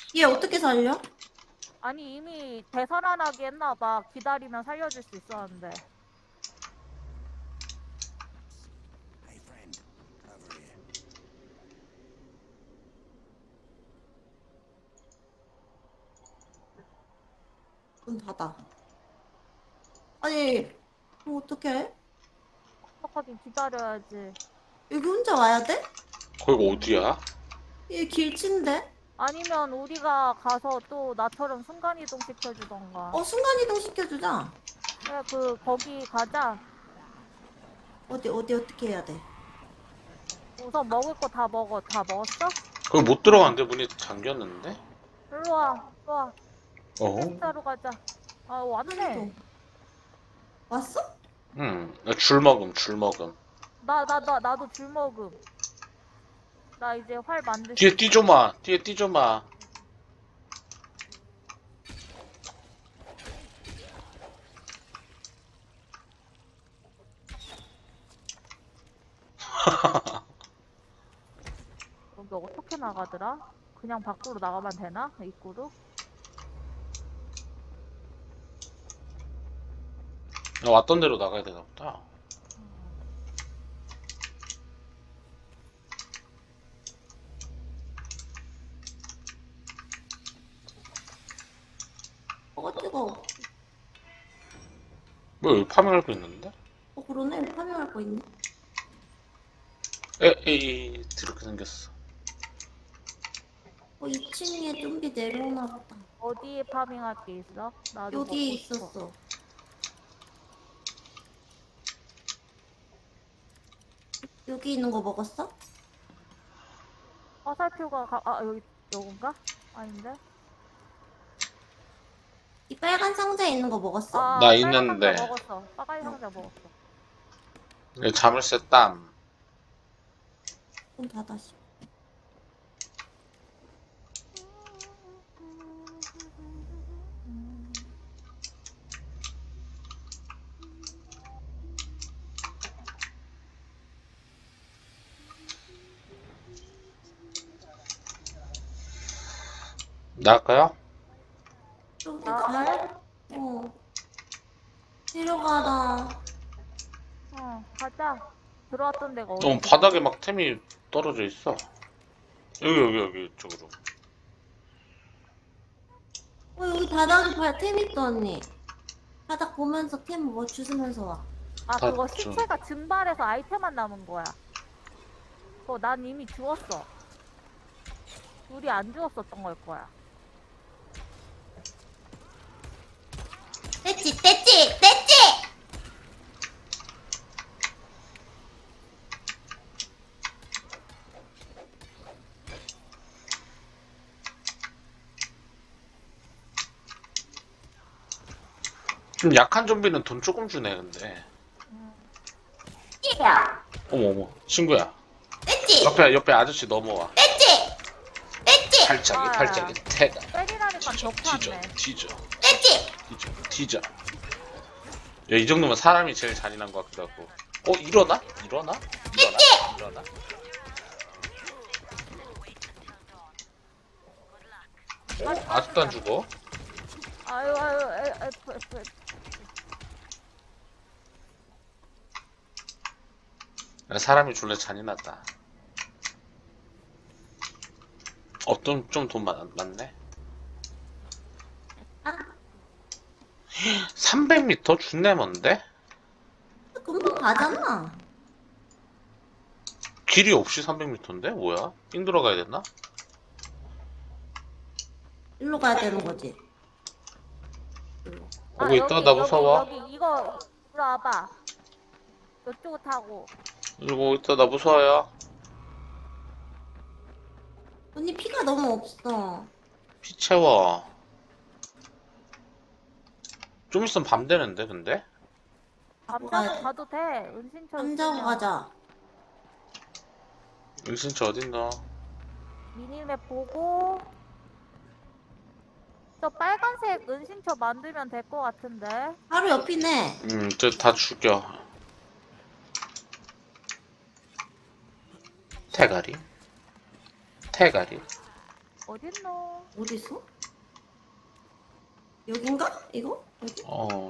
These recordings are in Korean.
얘 어떻게 살려? 아니 이미 되살아나게 했나봐. 기다리면 살려줄 수 있었는데. 문 닫아. 아니, 어떡해? 어떡하긴 기다려야지. 여기 혼자 와야 돼? 거기가 어디야? 얘 길친데? 아니면 우리가 가서 또 나처럼 순간이동 시켜주던가. 순간이동 시켜주자. 그래 거기 가자. 어디, 어떻게 해야 돼? 우선 먹을 거 다 먹어. 다 먹었어? 거기 못 들어갔는데 문이 잠겼는데? 일로 와. 일로 와. 어? 헬스하러 가자. 아 왔네. 왔어? 응. 줄 먹음, 줄 먹음. 나도 줄 먹음. 나 이제 활 만들 수 뒤에 있어. 뛰줘마. 뒤에 뛰줘마. 여기 어떻게 나가더라? 그냥 밖으로 나가면 되나? 입구로? 왔던 대로 나가야 되나 보다. 뜨거워. 뭐 여기 파밍할 거 있는데? 그러네. 파밍할 거 있네. 에이, 이렇게 생겼어. 2층에 좀비 내려오나 보다. 어디에 파밍할 게 있어? 나도 여기 먹고 싶어. 있었어. 여기 있는 거 먹었어? 화살표가 여기 요건가? 아닌데? 이 빨간 상자에 있는 거 먹었어? 아 나 빨간 있는데. 상자 먹었어. 빨간 상자 먹었어. 자물쇠 땀. 문 닫아. 씨. 나갈까요? 저기 아, 가야? 내려가라. 가자. 들어왔던 데가 어, 어디지? 바닥에 막 템이 떨어져 있어. 여기, 이쪽으로. 여기 바닥에 템 있어, 언니. 바닥 보면서 템 뭐 주스면서 와. 아 다 그거 좀- 시체가 증발해서 아이템만 남은 거야. 그거 난 이미 주웠어. 우리 안 주웠었던 걸 거야. 됐지! 좀 약한 좀비는 돈 조금 주네, 근데. 야, 어머, 친구야. 됐지? 옆에 아저씨 넘어와. 됐지? 팔짝이, 태가. 때리라니까 뒤져, 격하네. 됐지? 뒤져. 야, 이 정도면 사람이 제일 잔인한 것 같기도 하고. 일어나? 아직도 안 죽어? 아유 F. 야, 사람이 졸래 잔인하다. 좀 돈 많네. 아, 300m? 준내 먼데? 금방 가잖아. 길이 없이 300m인데? 뭐야? 삥 들어가야 됐나? 일로 가야 되는 거지. 오고 있다? 나 무서워. 여기 이거 이리 와봐. 이쪽을 타고. 이러고 있다, 나 무서워요. 언니 피가 너무 없어. 피 채워. 좀 있으면 밤 되는데, 근데? 남자도 가도 돼. 은신처 남자고 있으면. 가자. 은신처 어딨노? 미니맵 보고. 저 빨간색 은신처 만들면 될 것 같은데. 바로 옆이네. 저 다 죽여. 태가리. 어딨노? 어딨어? 여긴가? 이거? 여기?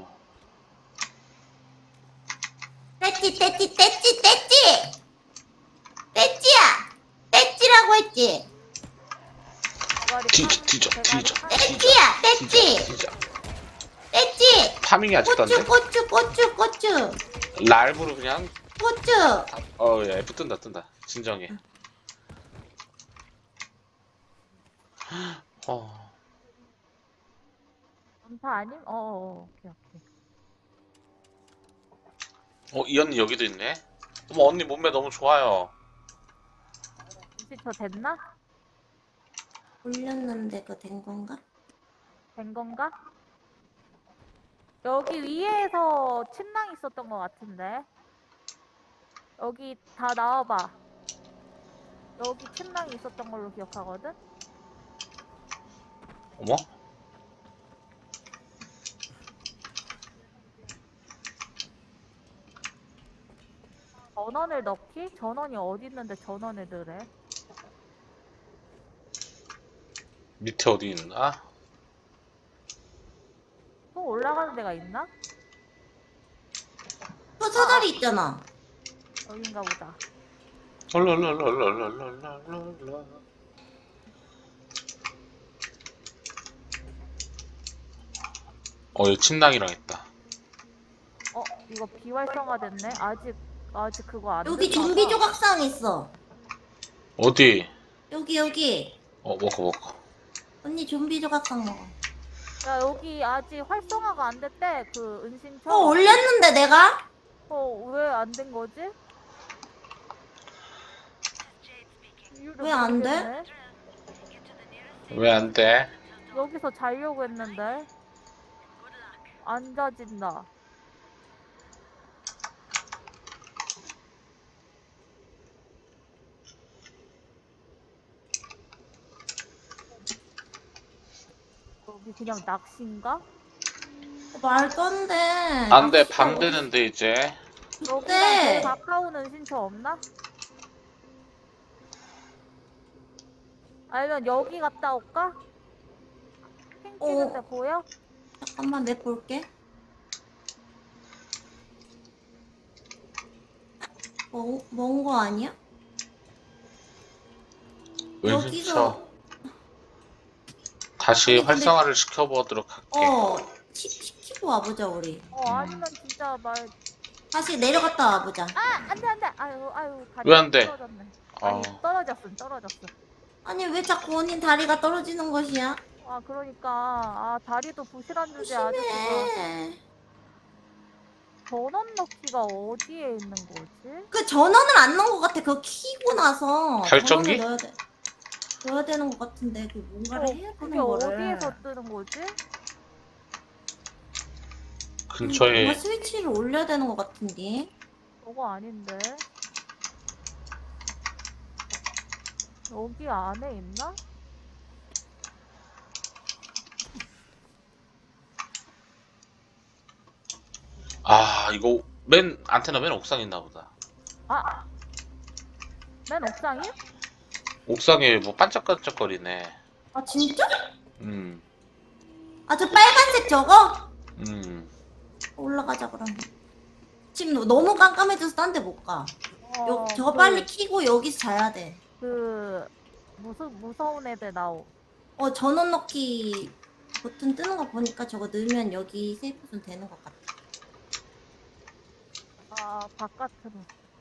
떼찌 떼찌 떼찌 떼찌! 떼찌야! 떼찌라고 했지? 뒤져. 떼찌야! 떼찌! 진짜. 떼찌! 파밍이 아직도 안 돼? 고추! 랄브로 그냥 고추! 야, F 뜬다. 진정해. 전파 아님? 오케이. 이 언니 여기도 있네. 어머, 언니 몸매 너무 좋아요. 혹시 저 됐나? 올렸는데 그거 된 건가? 된 건가? 여기 위에서 침낭 있었던 것 같은데. 여기 다 나와봐. 여기 침낭이 있었던 걸로 기억하거든? 어머? 전원을 넣기? 전원이 어디 있는데 전원을 넣으래? 밑에 어디 있나? 또 올라가는 데가 있나? 사다리 있잖아. 여긴가 보다. 랄랄랄랄랄랄랄랄라. 여기 침낭이랑 있다. 이거 비활성화 됐네? 아직 그거 안 여기 됐나 좀비 봐. 조각상 있어. 어디? 여기. 먹어. 언니 좀비 조각상 먹어. 야, 여기 아직 활성화가 안 됐대. 그 은신처. 올렸는데 내가? 왜 안 된 거지? 왜 안 돼? 모르겠네. 왜 안 돼? 여기서 자려고 했는데 안 자진다. 여기 그냥 낚시인가? 말도 안 돼. 안 돼, 밤 되는데 이제. 여기랑 네. 제일 가까운 은신처 없나? 아니면 여기 갔다 올까? 핑 찍은데 보여? 잠깐만 맵 볼게. 먼 거 아니야? 은신처. 다시 아니, 근데- 활성화를 시켜보도록 할게. 시키고 와보자 우리. 아니면 진짜 다시 내려갔다 와보자. 안 돼. 아유, 다리 왜 안 돼? 떨어졌네. 아니, 떨어졌어. 아니 왜 자꾸 언니 다리가 떨어지는 것이야? 그러니까 다리도 부실한 주제 아저씨가. 조심해. 전원 넣기가 어디에 있는 거지? 그 전원을 안 넣은 것 같아. 그거 키고 나서 발전기? 전원을 넣어야 되는 것 같은데 그 뭔가를 해야 그게 되는 거를. 어디에서 뜨는 거지? 근처에 뭔가 스위치를 올려야 되는 것 같은데. 저거 아닌데. 여기 안에 있나? 이거 안테나 맨 옥상에 있나 보다. 맨 옥상이? 옥상에 뭐 반짝반짝거리네. 아 진짜? 아, 저 빨간색 저거? 올라가자 그럼. 지금 너무 깜깜해져서 딴 데 못 가. 저거 빨리 키고 여기서 자야 돼. 무서운 애들 나오. 전원 넣기 버튼 뜨는 거 보니까 저거 넣으면 여기 세이프존 되는 것 같아. 바깥으로.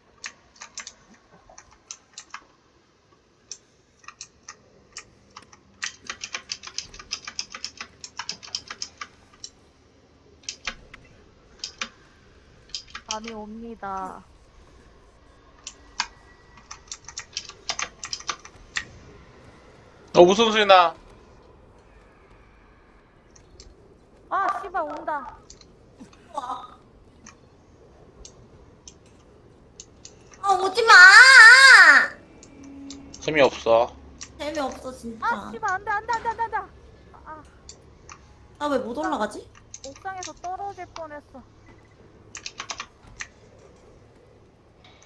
밤이 옵니다. 무슨 소리 나? 씨발 온다. 오지 마! 재미없어. 재미없어 진짜. 씨발 안돼. 나 왜 못 올라가지? 옥상에서 떨어질 뻔했어.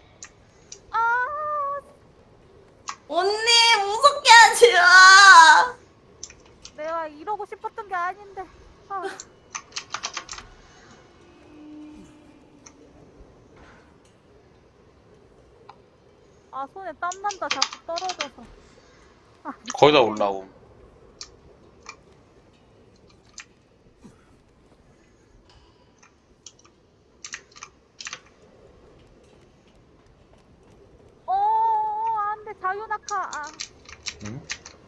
언니 무섭게 하지 마. 아, 손에 땀 난다. 자꾸 떨어져서. 거의 다 올라옴. 안 돼. 자유낙하. 아, 응?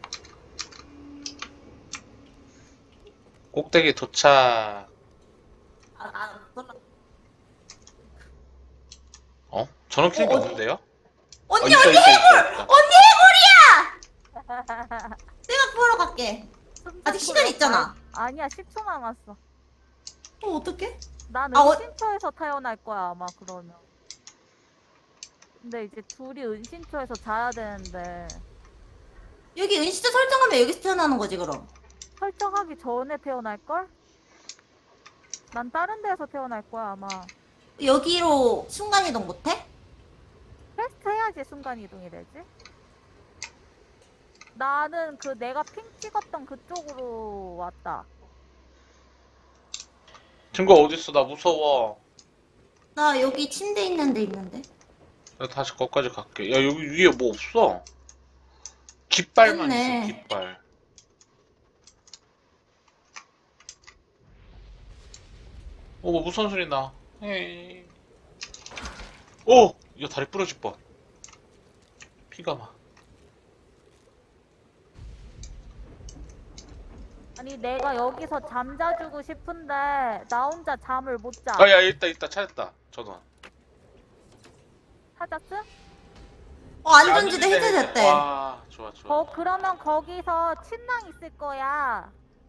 꼭대기 도착. 몰라. 어? 저런 키는 게 어, 없는데요? 언니 있다, 언니 있다, 있다. 언니 해골이야. 내가 구하러 갈게. 아직 시간 있잖아. 아니야, 10초 남았어. 어떡해? 난 아, 은신처에서 태어날 거야, 아마 그러면. 근데 이제 둘이 은신처에서 자야 되는데 여기 은시자 설정하면 여기서 태어나는 거지 그럼. 설정하기 전에 태어날걸? 난 다른 데서 태어날 거야, 아마. 여기로 순간이동 못해? 퀘스트 해야지 순간이동이 되지? 나는 그 내가 핑 찍었던 그쪽으로 왔다. 친구 어딨어? 나 무서워. 나 여기 침대 있는 데 있는데. 나 다시 거기까지 갈게. 야, 여기 위에 뭐 없어? 깃발만 있네. 있어, 깃발. 뭐 무슨 소리 나? 에이. 오! 야, 다리 부러질 뻔. 피가 막. 아니 내가 여기서 잠자주고 싶은데 나 혼자 잠을 못 자. 아, 야, 있다. 찾았다. 전원. 찾았음? 안전지대 해제됐대. 와, 좋아. 그러면 거기서 침낭 있을 거야.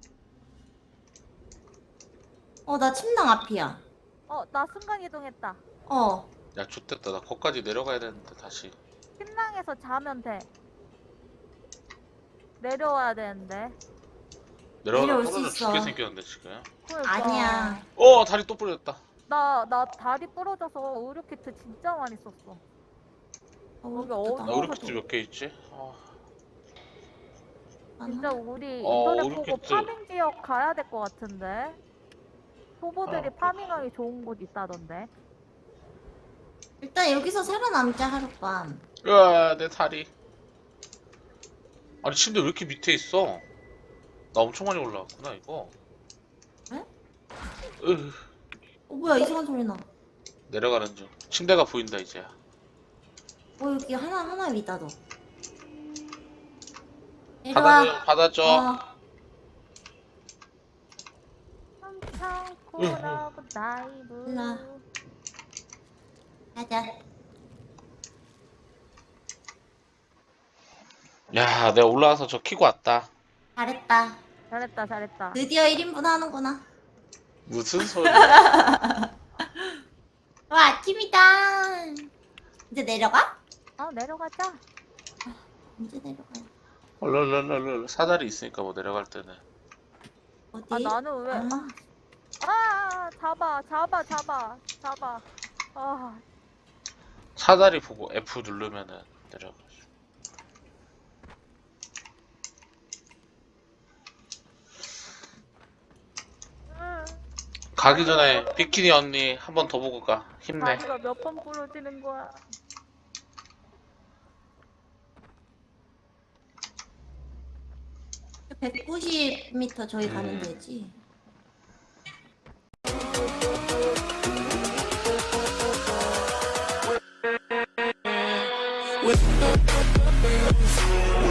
나 침낭 앞이야. 나 순간이동했다. 야, 좋됐다. 나 거기까지 내려가야 되는데, 다시. 침낭에서 자면 돼. 내려와야 되는데. 내려가다 내려올 수 떨어져 있어. 죽게 생겼는데, 지금. 그러니까. 아니야. 다리 또 부러졌다. 나 다리 부러져서 의료키트 진짜 많이 썼어. 여기 나 어두워서 의료키트 몇 개 있지? 진짜 우리 어, 인터넷 보고 의료키트. 파밍 지역 가야 될 것 같은데. 초보들이 아, 파밍하기 좋은 곳 있다던데. 일단 여기서 살아남자 하룻밤. 으아, 내 다리. 아니, 침대 왜 이렇게 밑에 있어? 나 엄청 많이 올라왔구나, 이거. 에? 으, 뭐야 이상한 소리 나. 내려가는 중. 침대가 보인다, 이제야. 여기 하나 위다 너. 내려와. 받아줘. 엄청 쿨하고 다이브. 일로와. 가자. 야, 내가 올라와서 저 키고 왔다. 잘했다. 잘했다. 드디어 1인분 하는구나. 무슨 소리야? 와 아침이다. 이제 내려가? 내려가자. 언제 내려가요? 랄랄랄랄. 사다리 있으니까 뭐 내려갈 때는. 어디? 나는 왜? 잡아. 사다리 보고 F 누르면은 내려가. 가기 전에 비키니 언니 한 번 더 보고 가. 힘내. 다리가 몇 번 부러지는 거야. (190m) 저희 가면 되지. with